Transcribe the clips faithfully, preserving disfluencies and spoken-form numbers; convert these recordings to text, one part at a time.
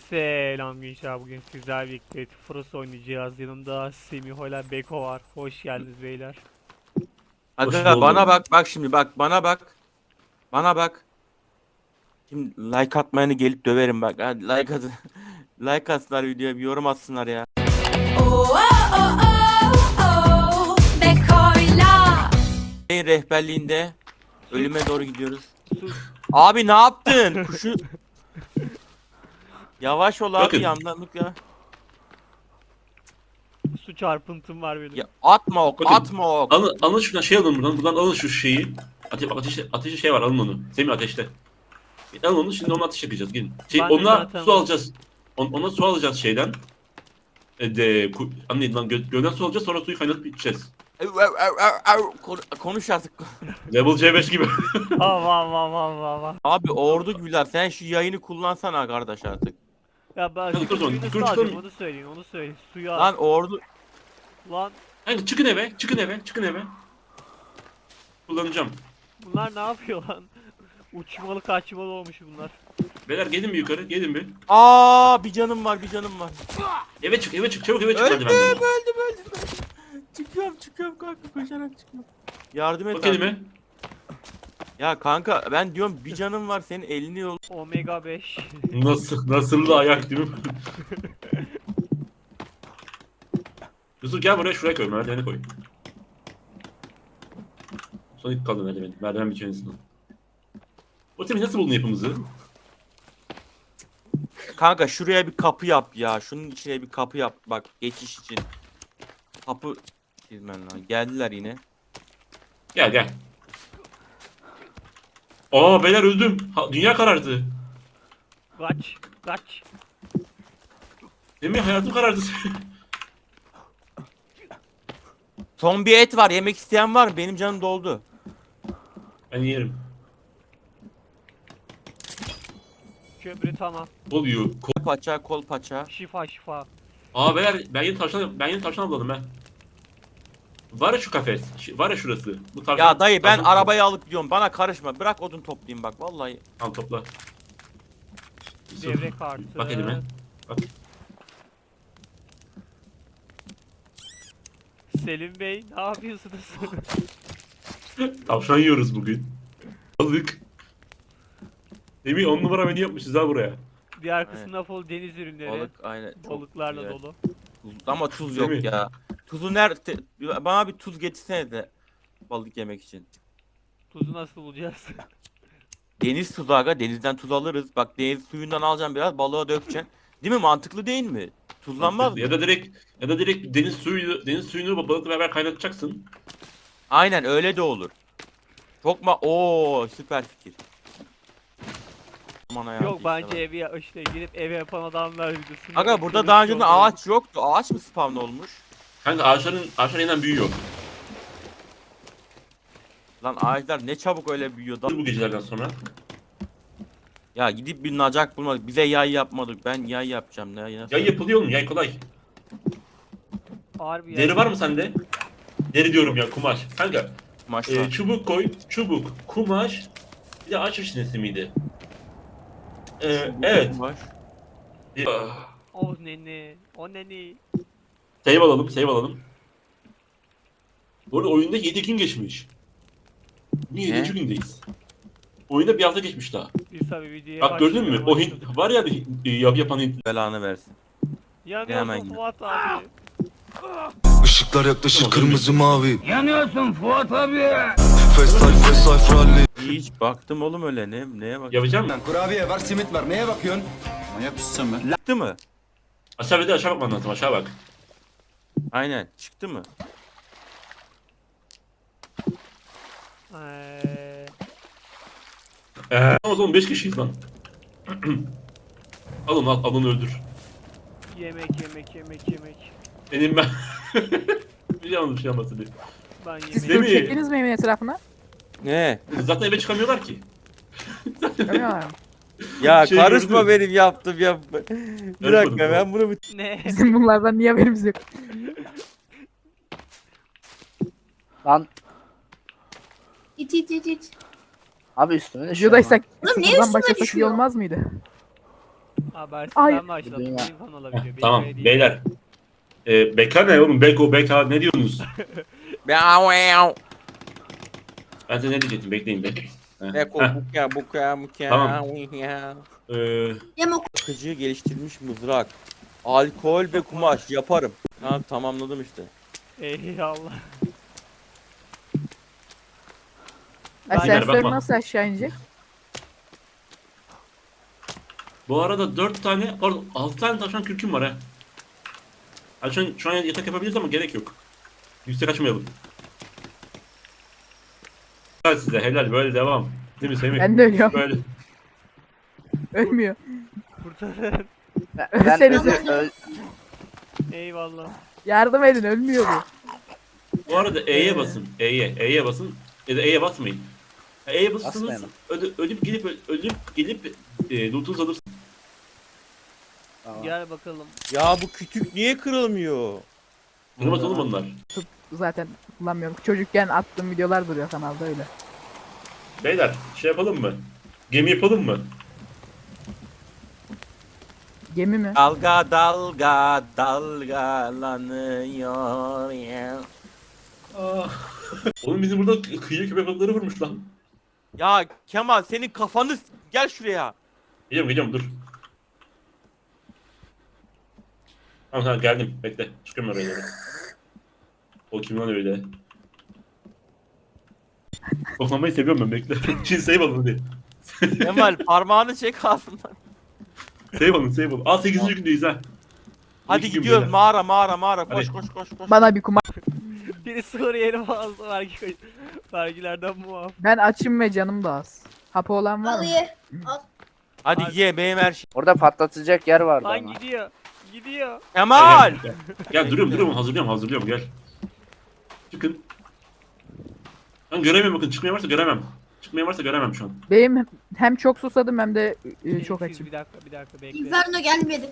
Selam gençler, bugün sizlerle birlikte Frost oynayacağız. Yanımda Semih ile Beko var. Hoş geldiniz beyler. Hoş Aga bana buldum. bak bak şimdi bak bana bak. Bana bak. Şimdi like atmayanı gelip döverim bak. Hadi like at. Like atsınlar videoya bir yorum atsınlar ya. Oh, oh, oh, oh, oh, Beko'yla. Şeyin rehberliğinde ölüme doğru gidiyoruz. Su, Abi ne yaptın? Kuşu yavaş ol abi Bakın. yandanlık ya. su çarpıntım var benim. Ya atma ok, Bakın. atma ok. Alın, alın şuradan şey alın buradan. Buradan alın şu şeyi. Ate ateşte, ateşte şey var, alın onu. Semih ateşte. Bir alın onu, şimdi onu ateş yakacağız. Gelin. Şey, Ben de onunla zaten su var. alacağız. On, ona su alacağız şeyden. E de ku, anne lan gö, gölden su alacağız, sonra suyu kaynatıp içeceğiz. Ev, ev, ev, ev, ev. Kon- Konuş artık. Level C beş gibi. Ha va va va va va. Abi ordu güler sen şu yayını kullansana kardeş artık. Ya ben Hadi su kır o zaman, suyu kır, nasıl kır, alacağım kır. onu söyleyin, onu söyleyin. Suyu al. Lan ordu Lan Haydi çıkın eve, çıkın eve, çıkın eve. Kullanacağım. bunlar ne yapıyor lan? Uçmalı kaçmalı olmuş bunlar. Beyler gelin bir yukarı, gelin bir. Aa bir canım var bir canım var. Eve çık, eve çık, çabuk eve çık. Öldüm Hadi benden. öldüm öldüm. Çıkıyorum çıkıyorum kanka koşarak çıkıyorum. Yardım et Bak abi. elime. Ya kanka ben diyorum bir canım var senin elini yol. Omega beş. Nasıl, nasıl da ayak değil mi? Yusuf gel buraya, şuraya koy, merdiveni koy. Son ilk kaldı merdiven, merdiven bitiyor en azından. O Semih nasıl buldun yapımızı? Kanka şuraya bir kapı yap ya. Şunun içine bir kapı yap. Bak geçiş için. Kapı çizmen lan. Geldiler yine. Gel gel. Aa beyler öldüm. Ha, dünya karardı. Kaç, kaç. Semih hayatım karardı. Son bir et var. Yemek isteyen var mı? Benim canım doldu. Ben yerim. Köprü tamam. Oluyor. Kol paça, kol paça. Şifa şifa. Aa beyler ben yeni tavşan, ben yeni tavşan avladım ben. Var ya şu kafes. Şu- Var ya şurası. Bu tavşan, Ya dayı ben tavşan- arabayı alıp gidiyorum. Bana karışma. Bırak odun toplayayım bak. Vallahi. Al topla. Yusuf, Devre kartı. bak elime. Bak. Selim Bey ne yapıyorsunuz? Tavşan yiyoruz bugün. Balık. Semih on numara menü yapmışız ha buraya. Diğer kısımda full deniz ürünleri. Balık aynen. Çok Balıklarla güzel. dolu. Tuz- ama tuz Değil yok mi? ya. Tuzu nerede? Bana bir tuz getirsene de. Balık yemek için. Tuzu nasıl bulacağız? Deniz tuzu aga. Denizden tuz alırız. Bak deniz suyundan alacaksın biraz. Balığa dökeceksin. Değil mi? Mantıklı değil mi? Tuzlanmaz mı? Ya da direkt ya da direkt deniz suyu deniz suyunu balıkla beraber kaynatacaksın. Aynen öyle de olur. Çok ma Oo süper fikir. Aman hayatı Yok işte bence bak. evi ya- işte girip ev yapan adamlar videosunu. Aga burada kılıç daha önce yolluyor. ağaç yoktu. Ağaç mı spawn olmuş? Kanka ağaçların ağaçlar yeniden büyüyor. Lan ağaçlar ne çabuk öyle büyüyor. Da- Bu gecelerden sonra. Ya gidip bir nacak bulmadık. Bize yay yapmadık. Ben yay yapacağım. Ne yay nasıl? Yay yapılıyor mu? Yay kolay. Harbi ya. Deri var mı sende? Deri diyorum ya, kumaş. Kanka Maşallah. e, çubuk koy, çubuk, kumaş, bir de ağaç reçinesi miydi? E, evet. Var. E, O neni. O neni. save alalım, save alalım. Bu arada oyunda yedi gün geçmiş. Niye Ne? yedinci gündeyiz? Oyunda bir hafta geçmiş daha. Biz tabi videoya Bak gördün mü? başlayalım, O başladık. Hint var ya e, yap yapan Hint. Belanı versin. Yanıyorsun Hemen. Fuat abi. Işıklar yaklaşır Tamam, kırmızı mavi. Yanıyorsun Fuat abi. Fast life fast life rally. Hiç baktım oğlum öyle ne neye bak. Yapacağım mı? Kurabiye var, simit var. Neye bakıyorsun? Manyak mısın sen be? Çıktı mı? Aşağı bir de aşağı bakman lazım, aşağı bak. Aynen. Çıktı mı? Eee, Eee o zaman beş kişiyiz lan. al onu al, al onu öldür. yemek yemek yemek yemek. Benim ben... bir şey anladım, bir şey anlatsın diye. Ben Siz Değil yemek. mi? tur çektiniz mi evin etrafına? Ne? Zaten eve çıkamıyorlar ki. Görmüyorlar mı? Ya Şey karışma gördün. benim yaptım yapma. Bir Karışmadım, dakika ben bunu bir... Ne? Bizim bunlardan niye haberimiz yok? Lan İç iç iç iç. abi üstüme düşüyor. Videodaysak Oğlum niye sıfırdan üstüme başlasak iyi düşüyor? olmaz mıydı? Habersizden başladım. Dünya. Telefon olabiliyor. Tamam Benim değil. beyler. Ee, beka ne oğlum? Beko, beka ne diyorsunuz? Ben size ne diyecektim? Bekleyin be. Heh. Beko Heh, buka buka buka. Tamam. ee, Yamuk. Bakıcı geliştirilmiş mızrak. Alkol ve kumaş yaparım. Ha tamamladım işte. Eyvallah. Beyler, Asansör bakma. nasıl aşağı inecek? bu arada dört tane, pardon altı tane tavşan kürküm var ha. Ha, şu an, şu an yatak yapabiliriz ama gerek yok. Yüksek açmayalım. Helal size, helal, böyle devam. Değil mi Semih? Ben de ölüyorum. Böyle. Ölmüyor. Kurtarın. Ben, ben Ölsenize. öl- öl- Eyvallah. Yardım edin ölmüyor bu. Bu arada E'ye basın. E'ye, E'ye basın. Ya da E'ye basmayın. Ha, E'ye basırsanız Basmayalım. öde, ölüp gelip ölüp gelip e, lootunuzu alırsınız. Tamam. Gel bakalım. Ya bu kütük niye kırılmıyor? Kırmaz oğlum onlar. Zaten kullanmıyorum. Çocukken attığım videolar duruyor kanalda öyle. Beyler şey yapalım mı? Gemi yapalım mı? Gemi mi? Dalga dalga dalgalanıyor ya. Oğlum bizim burada kıyı köpek balıkları vurmuş lan. Ya Kemal senin kafanı s- gel şuraya. Geliyorum geliyorum dur. Tamam tamam geldim bekle. Çıkıyorum oraya doğru. O kim lan öyle? Koklamayı seviyorum ben bekle. Şimdi save alın hadi. Kemal parmağını çek ağzından. Save alın save alın. Aa sekizinci gündeyiz ha. Hadi İki gün gidiyoruz beyler. mağara mağara mağara koş Hadi. koş koş koş. Bana bir kumar. Biri Suriyeli fazla vergi vergilerden muaf. Ben açım ve canım da az. Hapı olan var Al mı? ye. Hadi ye benim her şey. Orada patlatacak yer vardı Lan ama. gidiyor. Gidiyor. Kemal. Gel, gel. Gel duruyorum duruyorum hazırlıyorum hazırlıyorum gel. Çıkın. Ben göremiyorum bakın çıkmaya varsa göremem. Çıkmaya varsa göremem şu an. Benim hem çok susadım hem de e, çok Siz açım. Bir dakika bir dakika bekle. Inferno gelmedi.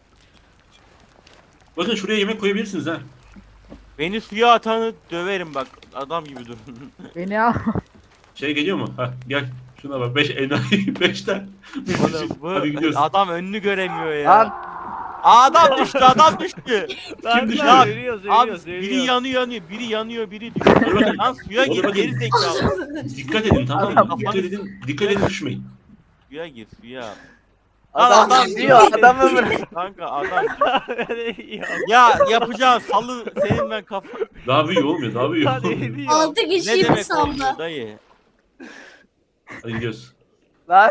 Bakın şuraya yemek koyabilirsiniz ha. Beni suya atanı döverim bak. Adam gibi dur. Beni al. Şey geliyor mu? Ha gel. Şuna bak. beş enayi. beşten. Oğlum bu Hadi gidiyoruz. adam önünü göremiyor ya. Lan Adam düştü adam düştü. Lan düştü? lan, Ölüyoruz Abi ölüyoruz biri ölüyoruz. yanıyor yanıyor biri yanıyor biri düşüyor. Lan suya Oğlum gir bakın. geri zekalı. Dikkat edin tamam mı? Adam- Dikkat edin. Dikkat edin düşmeyin. Suya gir suya. adam adam gidiyor adam ömrü. Kanka adam. Ya, Ya yapacağın salı senin ben kafa. Daha büyüyor olmuyor. Daha büyüyor. Hadi ediyor. Altı Ne kişiyi bir demek saldı. olmuyor dayı? Hadi gidiyoruz. Lan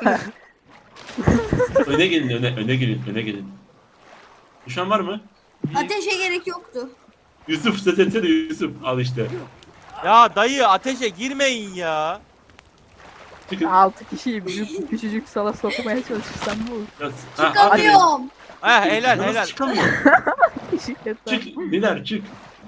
Öne gelin öne. Öne gelin. Öne gelin. Düşen var mı? Ateşe gerek yoktu. Yusuf ses etsene Yusuf. Al işte. Ya dayı ateşe girmeyin ya. Çıkın. Altı kişiyi bir küçücük sala sokmaya çalışırsam bu olur. Biraz- Ha, hadi. Çıkamıyorum. Ha helal Nasıl helal. çıkamıyor? Şirketler. Çık. Neler çık.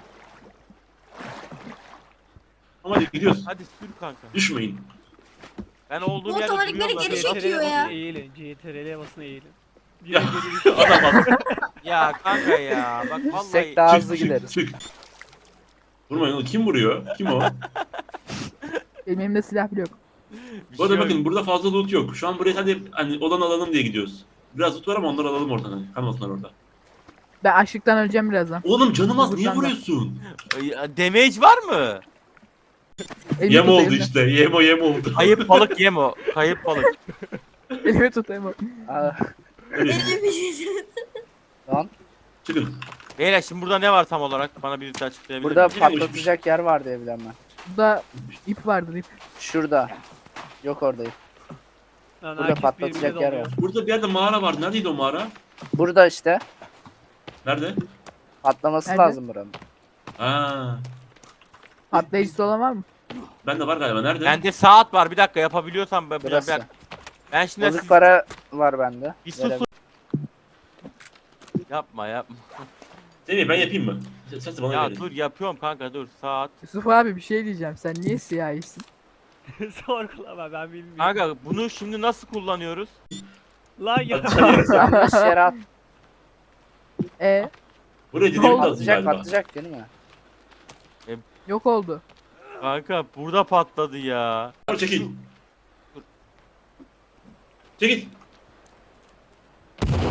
Ama hadi gidiyoruz. Hadi sür kanka. Düşmeyin. Ben olduğum Bu yerde otomatikleri duruyorum geri zaten. çekiyor ya. Eğilin. C T R L'ye basın eğilin. Ya Geri geri adam bak. Ya kanka ya bak vallahi. Yüksek daha hızlı Çık çık gideriz. çık. Vurmayın oğlum. Kim vuruyor? Kim o? Benim elimde silah bile yok. Bir Bu arada şey bakın yok. burada fazla loot yok. Şu an buraya hadi hani olan alalım diye gidiyoruz. Biraz loot var ama onları alalım oradan hani. Kalmasınlar orada. Ben açlıktan öleceğim birazdan. Oğlum canım az niye Buradan da. vuruyorsun? Ya, damage var mı? Elimi Yem tut, oldu elimi. işte. Yem o yem oldu. Kayıp balık yem o. Kayıp balık. Elimi tut Emo. Aa, Hadi Elim bir şey. Lan çıkın. Beyler şimdi burada ne var tam olarak? Bana birisi açıklayabilir burada mi? patlatacak yer var diye bilen ben. Burada ip vardır ip. Şurada. Yok orada ip. Lan Burada herkes patlatacak birbirine yer dalıyor. var. Burada bir yerde mağara var. Neredeydi o mağara? Burada işte. Nerede? Patlaması Nerede? lazım buranın. Ha. Patlayıcısı olan var mı? Bende var galiba. Nerede? Bende saat var bir dakika yapabiliyorsam ben, Burası. ben, ben şimdi Bozuk para var bende. bir sus. Verebilirim. Yapma yapma. Seni ben yapayım mı? Sen, sen de bana Ya verin. dur yapıyorum kanka dur saat. Yusuf abi bir şey diyeceğim. Sen niye siyahisin? Sorgulama ben bilmiyorum. Kanka bunu şimdi nasıl kullanıyoruz? Lan ya. Yanlış yere at. E Buraya dinamit lazım Patlayacak galiba. patlayacak değil mi? yok oldu. Kanka burada patladı ya. Dur çekil. Çekil.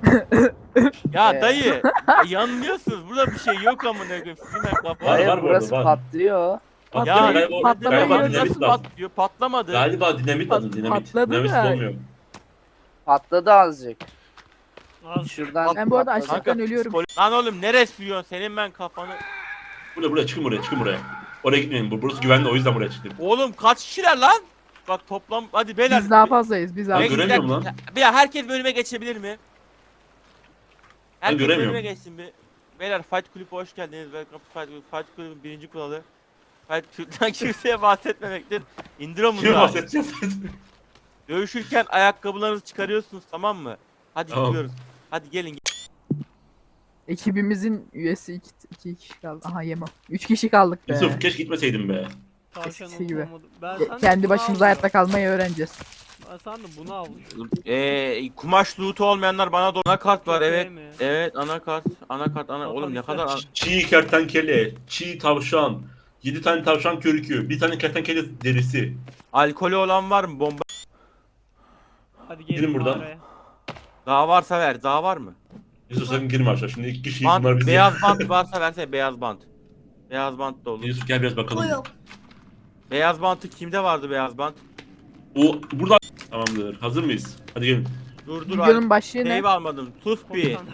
Ya Ee. dayı yanılıyorsunuz. Burada bir şey yok amına koyayım. Sizin ben kafa. Var, Hayır var bu burası arada, var. patlıyor. Bak, Ya galiba, patlamaya galiba gidiyor. dinamit nasıl lazım. patlıyor? Patlamadı. Galiba dinamit lazım, dinamit. patladı Dinamit da. olmuyor. Patladı azıcık. Az Şuradan Ben bu arada patladı. açlıktan ölüyorum. psikolo- Lan oğlum neresi yiyorsun? Senin ben kafanı. Buraya, buraya, çıkın buraya, çıkın buraya. Oraya gitmeyin, bu- burası güvenli, o yüzden buraya çıktım. Oğlum kaç kişiler lan? Bak toplam hadi beyler. Biz daha fazlayız. Biz daha Ben Ben fazlayız. göremiyorum lan. Bir herkes bölüme geçebilir mi? Herkes göremiyorum. bölüme geçsin bir. Beyler Fight Kulüp'e hoş geldiniz. Welcome to Fight Kulüp. Fight Kulüp'ün birinci kuralı. Fight Kulüp'ten kimseye bahsetmemektir. İndir Kime omuzları. bahsedeceğiz? Dövüşürken ayakkabılarınızı çıkarıyorsunuz tamam mı? Hadi Tamam. gidiyoruz. Hadi gelin. Ekibimizin üyesi iki, iki kişi kaldı. Aha Yemo. Üç kişi kaldık be. Yusuf keşke gitmeseydin be. tavşan Eskisi gibi. olmadı. Ben Ke- sandım Kendi bunu başımıza avlıyor. hayatta kalmayı öğreneceğiz. Ben sandım bunu avlıyor. Eee kumaş loot'u olmayanlar bana da anakart var evet. Değil mi? Evet anakart. Anakart ana oğlum ne kadar an- Çiğ kertenkele, çiğ tavşan, yedi tane tavşan körükü, bir tane kertenkele derisi. alkolü olan var mı? Bomba Hadi gelin Girin buradan. mağaraya. daha varsa ver. Daha var mı? Yusuf sakın girme aşağı, şimdi iki kişiyiz, Bant, bunlar bizi. beyaz bant varsa versene beyaz bant. Beyaz bant da olur. Yusuf gel biraz bakalım. O yok. Beyaz bantı kimde vardı beyaz bant? O burada. Tamamdır. Hazır mıyız? Hadi gelin. Dur dur Videonun başlığı ne? Save almadım. Sus bir. Komutan.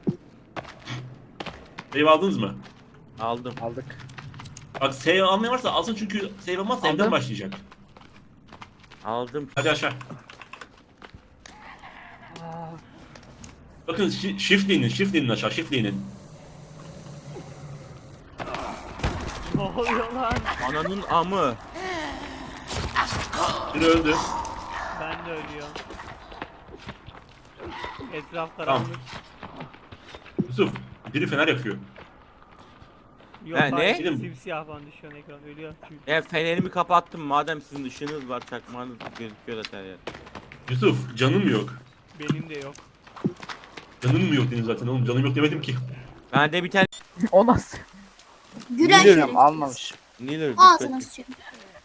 Save aldınız mı? Aldım. Aldık. Bak save almayan varsa alsın çünkü save almazsa evden Aldım. başlayacak. Aldım. Hadi aşağı. Bakın şi- shift inin, shift inin aşağı, shift inin. Ne oluyor lan? Ananın amı. Biri öldü. Ben de ölüyorum. Etraf Tamam. karanlık. Yusuf, biri fener yakıyor. Yok Ha, ne? hayır, Gidelim. simsiyah falan düşüyor ekran ölüyor çünkü. Ben fenerimi kapattım madem sizin ışığınız var çakmağınız gözüküyor zaten yani. Yusuf, canım yok. Benim de yok. Canım mı yok dedim zaten oğlum, canım yok demedim ki. Bende bir tane O nasıl? Gülen Biliyorum şerefsiz. almamış. Niller Ağzına sıçayım.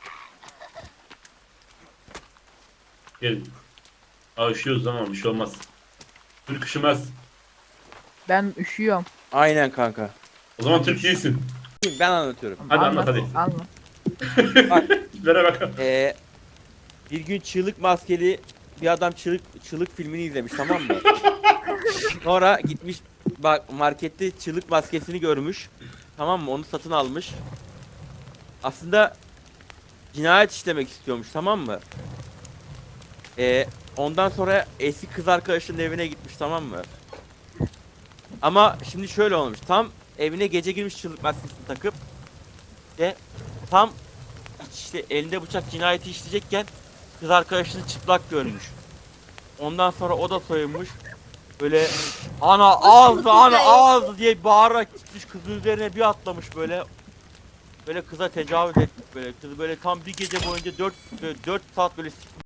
Gel. Aa üşüyoruz ama bir şey olmaz. Türk üşümez. Ben üşüyorum. Aynen kanka. O zaman Türk değilsin. Ben anlatıyorum. Hadi anlat hadi. Anlat. Ver bakalım. Ee, bir gün çığlık maskeli bir adam çığlık çığlık filmini izlemiş tamam mı? Sonra gitmiş bak markette çığlık maskesini görmüş. Tamam mı? Onu satın almış. Aslında cinayet işlemek istiyormuş tamam mı? Ee, ondan sonra eski kız arkadaşının evine gitmiş tamam mı? Ama şimdi şöyle olmuş. Tam evine gece girmiş çığlık maskesini takıp ve tam işte elinde bıçak cinayeti işleyecekken kız arkadaşını çıplak görmüş. Ondan sonra o da soyunmuş. Böyle ana ağzı ana ağzı diye bağırarak gitmiş kızın üzerine bir atlamış böyle. Böyle kıza tecavüz etmiş böyle. Kız böyle tam bir gece boyunca dört dört saat böyle sik-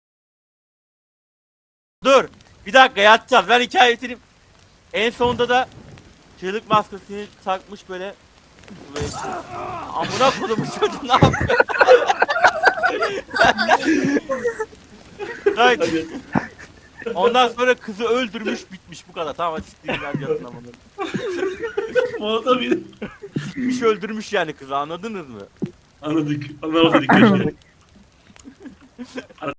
Dur. Bir dakika yatacağız. Ben hikaye bitireyim. En sonunda da çığlık maskesini takmış böyle. Böyle amına koydum çocuğu ne yapıyor? Right. Hadi. Ondan sonra kızı öldürmüş bitmiş bu kadar. Tamam hadi siktirin hadi yatın amına. Molotov yedi. Bitmiş öldürmüş yani kızı anladınız mı? Anladık. Anlamadık keşke.